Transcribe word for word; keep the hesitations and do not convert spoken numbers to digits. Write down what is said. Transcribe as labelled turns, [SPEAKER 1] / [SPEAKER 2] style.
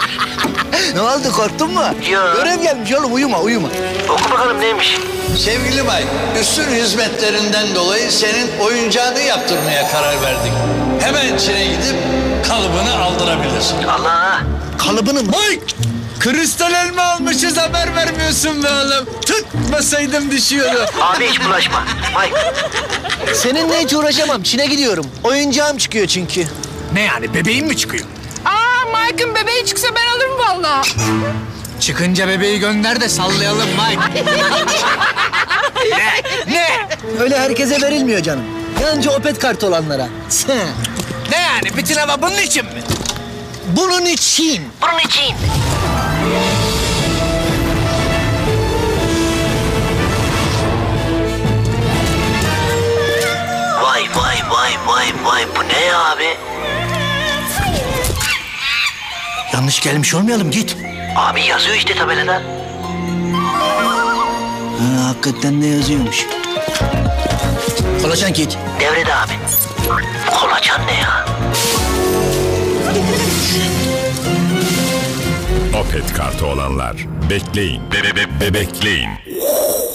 [SPEAKER 1] Ne oldu, korktun mu?
[SPEAKER 2] Yok.
[SPEAKER 1] Görev gelmiş oğlum, uyuma uyuma.
[SPEAKER 2] Oku bakalım neymiş?
[SPEAKER 3] Sevgili Mike, üstün hizmetlerinden dolayı senin oyuncağını yaptırmaya karar verdik. Hemen Çin'e gidip kalıbını aldırabilirsin.
[SPEAKER 2] Allah!
[SPEAKER 1] Kalıbını mı?
[SPEAKER 4] Mike! Kristal elma almışız, haber vermiyorsun be oğlum. Tutmasaydım düşüyordu.
[SPEAKER 2] Abi hiç bulaşma. Mike.
[SPEAKER 1] Seninle hiç uğraşamam, Çin'e gidiyorum. Oyuncağım çıkıyor çünkü.
[SPEAKER 4] Ne yani, bebeğin mi çıkıyor?
[SPEAKER 5] Aa, Mike'ın bebeği çıksa ben alırım vallahi.
[SPEAKER 4] Çıkınca bebeği gönder de sallayalım Mike. Ne? Ne?
[SPEAKER 1] Öyle herkese verilmiyor canım. Yalnızca Opet kartı olanlara.
[SPEAKER 4] Ne yani, bütün hava bunun için mi?
[SPEAKER 1] Bunun için.
[SPEAKER 2] Bunun için. Vay vay vay vay vay, bu ne ya abi?
[SPEAKER 1] Yanlış gelmiş olmayalım, git.
[SPEAKER 2] Abi yazıyor işte tabelada.
[SPEAKER 1] Ha, hakikaten de yazıyormuş. Kolaçan git.
[SPEAKER 2] Devrede abi. Kolaçan ne ya?
[SPEAKER 6] Opet kartı olanlar bekleyin, be be be bebekleyin.